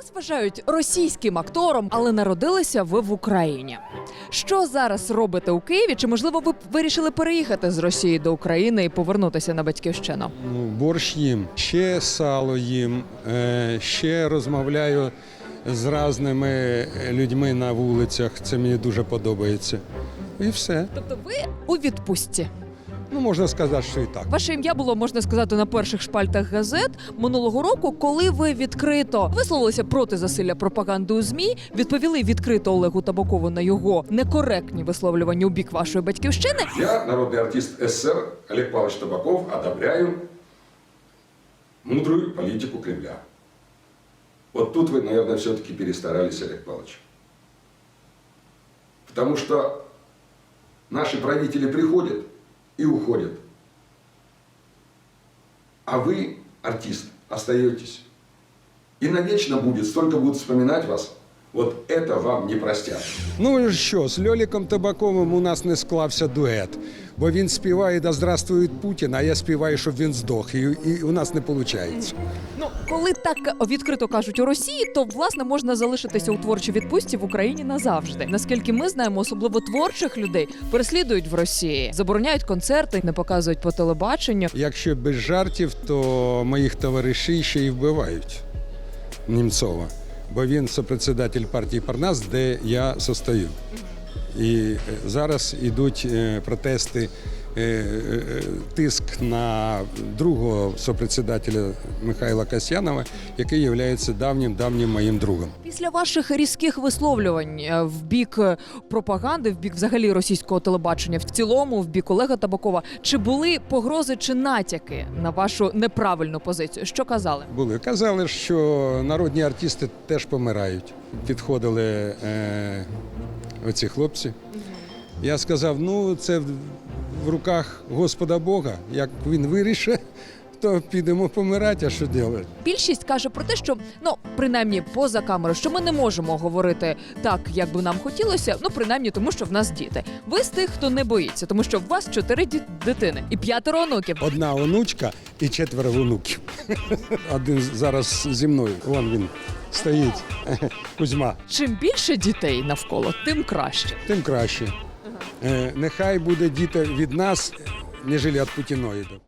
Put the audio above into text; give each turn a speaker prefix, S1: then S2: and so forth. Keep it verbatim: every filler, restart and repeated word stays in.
S1: Вас вважають російським актором, але народилися ви в Україні. Що зараз робите у Києві? Чи, можливо, ви вирішили переїхати з Росії до України і повернутися на батьківщину?
S2: Ну, борщ їм, ще сало їм, е, ще розмовляю з різними людьми на вулицях. Це мені дуже подобається. І все.
S1: Тобто ви у відпустці.
S2: Ну, можна сказати, що і так.
S1: Ваше ім'я було, можна сказати, на перших шпальтах газет минулого року, коли ви відкрито висловилися проти засилля пропаганди у ЗМІ, відповіли відкрито Олегу Табакову на його некоректні висловлювання у бік вашої батьківщини.
S3: Я, народный артист СССР Олег Павлович Табаков, одобряю мудрую политику Кремля. Вот тут вы, наверное, все-таки перестарались, Олег Павлович. Потому что наши правители приходят и уходят. А вы, артист, остаетесь. И навечно будет, столько будут вспоминать вас. Вот это вам не простят.
S2: Ну що, з Льоліком Табаковим у нас не склався дует, бо він співає «Да здравствует Путін», а я співаю, щоб він здох, і, і у нас не виходить.
S1: Ну, коли так відкрито кажуть у Росії, то, власне, можна залишитися у творчій відпустці в Україні назавжди. Наскільки ми знаємо, особливо творчих людей переслідують в Росії, забороняють концерти, не показують по телебаченню.
S2: Якщо без жартів, то моїх товаришів ще й вбивають Німцова, бо він сопредседатель партії «Парнас», де я состою. І зараз йдуть протести, тиск на другого сопредседателя Михайла Касьянова, який є давнім-давнім моїм другом.
S1: Після ваших різких висловлювань в бік пропаганди, в бік взагалі російського телебачення, в цілому, в бік Олега Табакова, чи були погрози чи натяки на вашу неправильну позицію? Що казали?
S2: Були. Казали, що народні артисти теж помирають. Підходили е, оці хлопці. Я сказав, ну це в руках Господа Бога. Як він вирішить, то підемо помирати, а що робити?
S1: Більшість каже про те, що, ну, принаймні, поза камерою, що ми не можемо говорити так, як би нам хотілося, ну, принаймні, тому що в нас діти. Ви з тих, хто не боїться, тому що в вас чотири ді- дитини і п'ятеро онуків.
S2: Одна онучка і четверо онуків. Один зараз зі мною, вон він стоїть, Кузьма.
S1: Чим більше дітей навколо, тим краще.
S2: Тим краще. Е, нехай буде діти від нас, ніж від путіноїдів.